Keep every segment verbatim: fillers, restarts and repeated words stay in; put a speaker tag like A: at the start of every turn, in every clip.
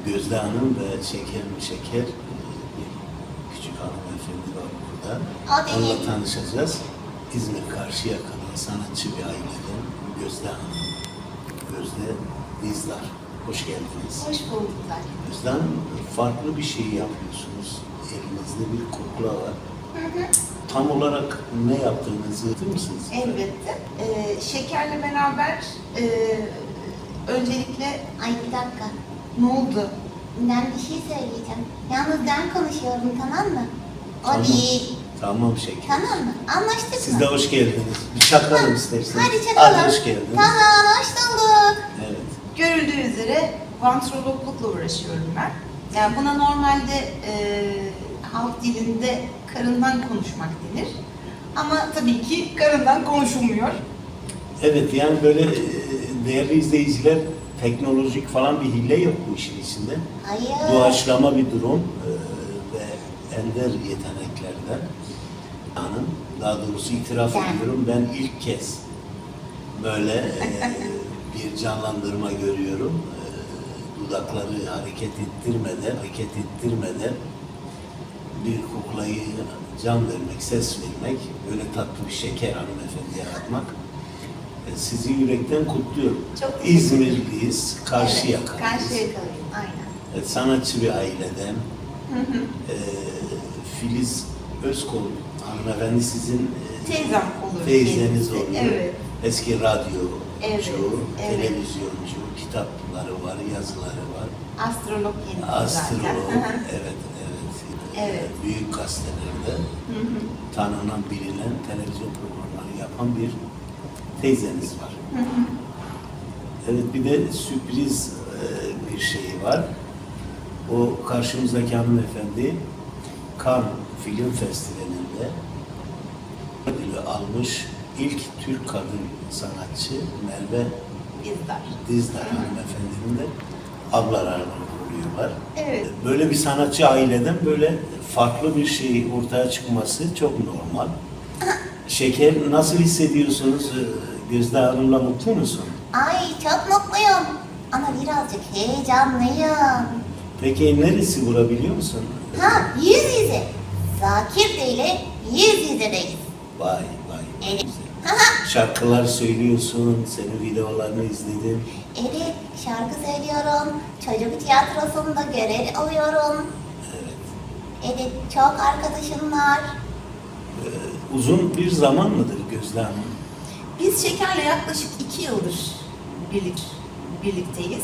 A: Gözde Hanım ve Şeker mi Şeker bir küçük hanımefendi var burada. Onunla tanışacağız. İzmir Karşıyaka'da sanatçı bir aileden Gözde Hanım. Gözde Dizdar. Hoş geldiniz.
B: Hoş bulduklar.
A: Gözde Hanım, farklı bir şey yapıyorsunuz. Elinizde bir kukla var.
B: Hı hı.
A: Tam olarak ne yaptığınızı bilir misiniz?
B: Elbette. Ee, şekerle beraber e, öncelikle...
C: Ay bir dakika.
B: Ne oldu?
C: Ben bir şey söyleyeceğim. Yalnız ben konuşuyorum, tamam mı? O
A: Tamam.
C: değil.
A: Tamam Şeker.
C: Tamam mı? Anlaştık mı?
A: Siz de hoş geldiniz. Bir çakalım isterseniz.
C: Hadi çakalım.
A: Hadi hoş geldiniz.
C: Tamam, hoş bulduk.
A: Evet.
B: Görüldüğü üzere vantrologlukla uğraşıyorum ben. Yani buna normalde e, halk dilinde karından konuşmak denir. Ama tabii ki karından konuşulmuyor.
A: Evet, yani böyle e, değerli izleyiciler, teknolojik falan bir hile yok bu işin içinde.
C: Hayır.
A: Doğaçlama bir durum e, ve ender yeteneklerden. Hanım, daha doğrusu itiraf
C: Ben.
A: ediyorum, ben ilk kez böyle e, bir canlandırma görüyorum. E, dudakları hareket ettirmeden, hareket ettirmeden bir kuklayı can vermek, ses vermek, böyle tatlı bir şeker hanımefendi yaratmak. E, sizi yürekten kutluyorum.
B: Çok teşekkür ederim.
A: İzmirliyiz, Karşıyaka'lıyız.
B: Evet, Karşıyaka'lıyım, aynen.
A: Evet, sanatçı bir aileden.
B: Hı hı.
A: E, Filiz Özkol hanımefendi sizin e,
B: Teyzem olur.
A: teyzeniz
B: kendisi.
A: oluyor.
B: Evet.
A: Eski radyocu,
B: Evet, evet.
A: televizyoncu, kitapları var, yazıları var.
B: Astrolog kendisi
A: Astrolog,
B: zaten.
A: evet, evet.
B: Evet.
A: Büyük gazetelerde
B: Hı hı.
A: tanınan, bilinen televizyon programları yapan bir teyzeniz var.
B: Hı hı.
A: Evet, bir de sürpriz e, bir şey var. O karşımızdaki hanımefendi Cannes Film Festivali'nde ödülü almış ilk Türk kadın sanatçı Merve
B: Dizdar.
A: Dizdar hanımefendinin de ablalarını oluyorlar.
B: Evet.
A: Böyle bir sanatçı aileden böyle farklı bir şey ortaya çıkması çok normal. Şeker, nasıl hissediyorsunuz? Gözde Hanım'la mutlu musun?
C: Ay çok mutluyum. Ama birazcık heyecanlıyım.
A: Peki neresi vurabiliyor musun?
C: Ha, yüz yüze. Zakir Bey ile yüz yüzedeyiz.
A: Vay vay.
C: Evet.
A: Güzel. Şarkılar söylüyorsun, senin videolarını izledim.
C: Evet, şarkı söylüyorum. Çocuk tiyatrosunda görev alıyorum.
A: Evet.
C: Evet, çok arkadaşım var.
A: Ee, uzun bir zaman mıdır Gözde Hanım?
B: Biz Şeker'le yaklaşık iki yıldır birlik, birlikteyiz.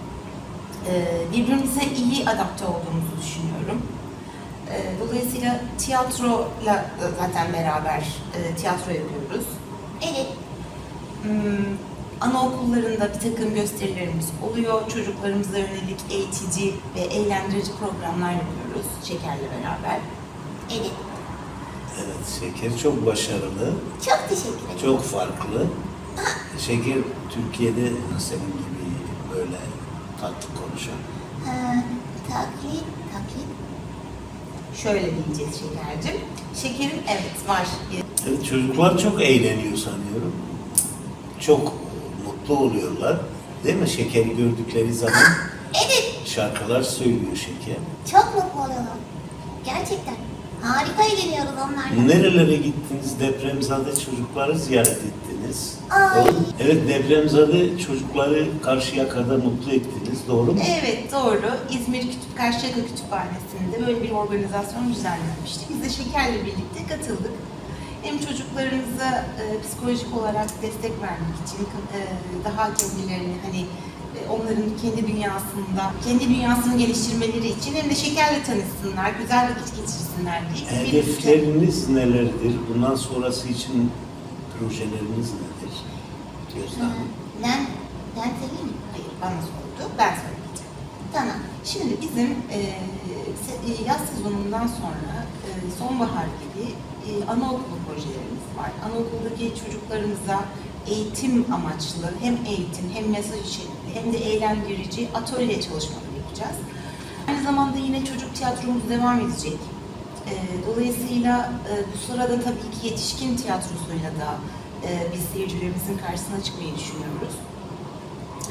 B: Ee, birbirimize iyi adapte olduğumuzu düşünüyorum. Ee, dolayısıyla tiyatroyla e, zaten beraber e, tiyatro yapıyoruz.
C: Evet,
B: Hmm, anaokullarında bir takım gösterilerimiz oluyor. Çocuklarımıza yönelik eğitici ve eğlendirici programlar yapıyoruz Şeker'le beraber.
C: evet.
A: Evet, Şeker çok başarılı,
C: Çok teşekkür ederim.
A: çok farklı. Şeker Türkiye'de senin gibi böyle tatlı konuşan.
C: Ha, taklit, taklit.
B: Şöyle diyeceğiz Şeker'cim. Şekerim evet var.
A: Evet, çocuklar çok eğleniyor sanıyorum. Çok mutlu oluyorlar. Değil mi? Şekeri gördükleri zaman
C: Evet,
A: şarkılar söylüyor Şeker.
C: çok mutlu oluyorlar. Gerçekten. Harika eğleniyoruz onlarla.
A: Nerelere gittiniz? Depremzade çocukları ziyaret ettiniz.
C: Ay.
A: Doğru mu? Evet, depremzade çocukları Karşıyaka'da mutlu ettiniz. Doğru mu?
B: Evet doğru. İzmir Kütüp Karşıyaka Kütüphanesi'nde böyle bir organizasyon düzenlenmişti. Biz de Şeker'le birlikte katıldık. Hem çocuklarımıza e, psikolojik olarak destek vermek için e, daha kendilerini hani e, onların kendi dünyasında, kendi dünyasını geliştirmeleri için hem de Şeker'le tanışsınlar, güzel vakit geçirsinler diye. birlikte-
A: Hedefleriniz nelerdir? Bundan sonrası için projeleriniz nedir? Gözde
C: Ha,
A: Hanım.
C: ben, ben söyleyeyim mi?
B: Hayır bana sordu, ben söyleyeceğim.
C: Tamam.
B: Şimdi bizim e, se- e, yaz sezonundan sonra e, sonbahar gibi e, anaokulu projelerimiz var. Anaokuldaki çocuklarımıza eğitim amaçlı hem eğitim hem mesaj içerikli hem de eğlendirici atölye çalışmaları yapacağız. Aynı zamanda yine çocuk tiyatromuz devam edecek. E, dolayısıyla e, bu sırada tabii ki yetişkin tiyatrosuyla da e, biz seyircilerimizin karşısına çıkmayı düşünüyoruz.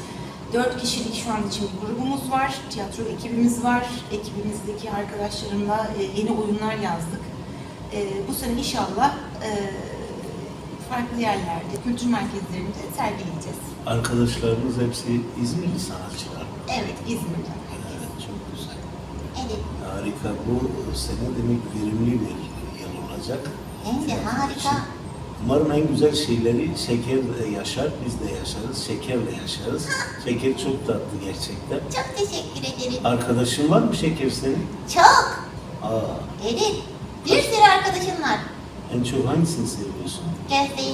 B: Dört kişilik şu an için bir grubumuz var, tiyatro ekibimiz var. Ekibimizdeki arkadaşlarımla e, yeni oyunlar yazdık. E, bu sene inşallah e, farklı yerlerde, kültür merkezlerinde sergileyeceğiz.
A: Arkadaşlarımız hepsi İzmirli sanatçılar.
B: Evet, İzmir'de.
A: Evet, çok güzel.
C: Evet.
A: Harika. Bu sene demek verimli bir yıl olacak.
C: Hem de harika.
A: Umarım en güzel şeyleri şeker yaşar, biz de yaşarız, şekerle yaşarız. Şeker çok tatlı gerçekten.
C: Çok teşekkür ederim.
A: Arkadaşın var mı şeker senin?
C: Çok.
A: Aa,
C: Evet. Bir sürü arkadaşım var.
A: en çok hangisini seviyorsun?
C: Gözde'yi.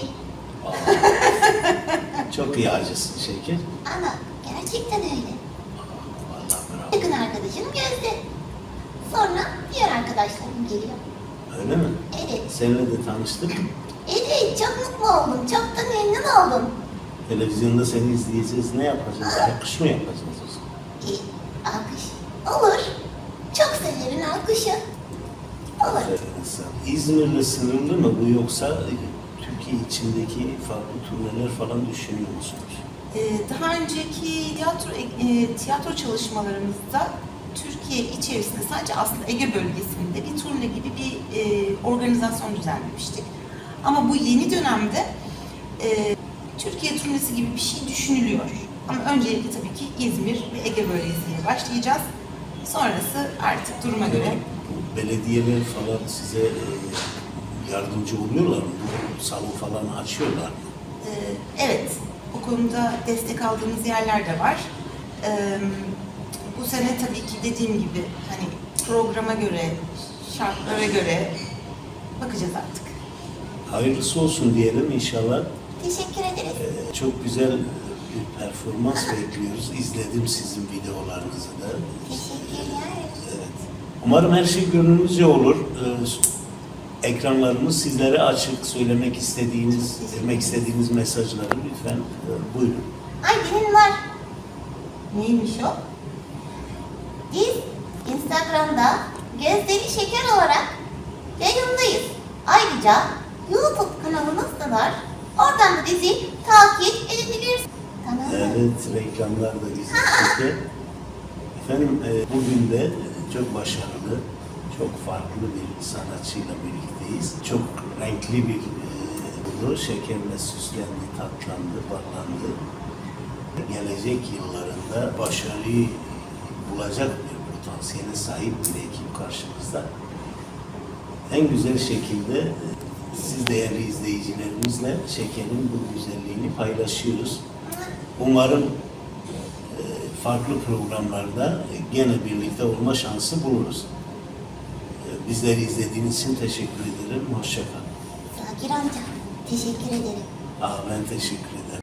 A: Aa, çok iyi acısın şeker.
C: Ama gerçekten öyle.
A: Vallahi bravo.
C: Yakın arkadaşım Gözde. Sonra diğer arkadaşlarım geliyor.
A: Öyle mi?
C: Evet.
A: Seninle de tanıştık.
C: Evet, çok mutlu oldum. Çok da memnun oldum.
A: Televizyonda seni izleyeceğiz. Ne yapacağız? Alkış mı yapacağız o zaman?
C: E, alkış. Olur. Çok severim alkışı. Olur.
A: Aferin sana. İzmir'le sınırlı mı bu yoksa Türkiye içindeki farklı turneler falan düşünüyor musunuz?
B: Ee, Daha önceki tiyatro e, tiyatro çalışmalarımızda Türkiye içerisinde sadece aslında Ege bölgesinde bir turne gibi bir e, organizasyon düzenlemiştik. Ama bu yeni dönemde e, Türkiye turnesi gibi bir şey düşünülüyor. Ama öncelikle tabii ki İzmir ve Ege bölgesiyle başlayacağız. Sonrası artık duruma göre.
A: Bu belediyeler falan size e, yardımcı oluyorlar mı? Bu salon falan açıyorlar mı?
B: Ee, Evet, bu konuda destek aldığımız yerler de var. Ee, Bu sene tabii ki dediğim gibi hani programa göre, şartlara göre bakacağız artık.
A: Hayırlısı olsun diyelim inşallah.
C: Teşekkür ederiz.
A: Ee, çok güzel bir performans bekliyoruz. İzledim sizin videolarınızı da.
C: Teşekkürler.
A: Evet. Umarım her şey gönlünüzce olur. Ee, ekranlarımız sizlere açık. Söylemek istediğiniz, vermek istediğiniz mesajları lütfen e, buyurun.
C: Ay benim var.
B: Neymiş o?
C: Biz Instagram'da Gözleri Şeker olarak yayındayız. Ayrıca YouTube kanalımız da var. Oradan da bizi takip edebilirsiniz. Tamam mı?
A: Evet, reklamlar da güzel. Peki. Efendim, e, bugün de çok başarılı, çok farklı bir sanatçıyla birlikteyiz. Çok renkli bir e, şekerle süslendi, tatlandı, parlandı. Gelecek yıllarında başarıyı bulacak bir potansiyele sahip bir ekip karşımızda. En güzel şekilde e, siz değerli izleyicilerimizle şekerin bu güzelliğini paylaşıyoruz. Umarım e, farklı programlarda gene birlikte olma şansı buluruz. E, Bizleri izlediğiniz için teşekkür ederim. Hoşça kalın.
C: Zakir amca teşekkür ederim.
A: Aa, ben teşekkür ederim.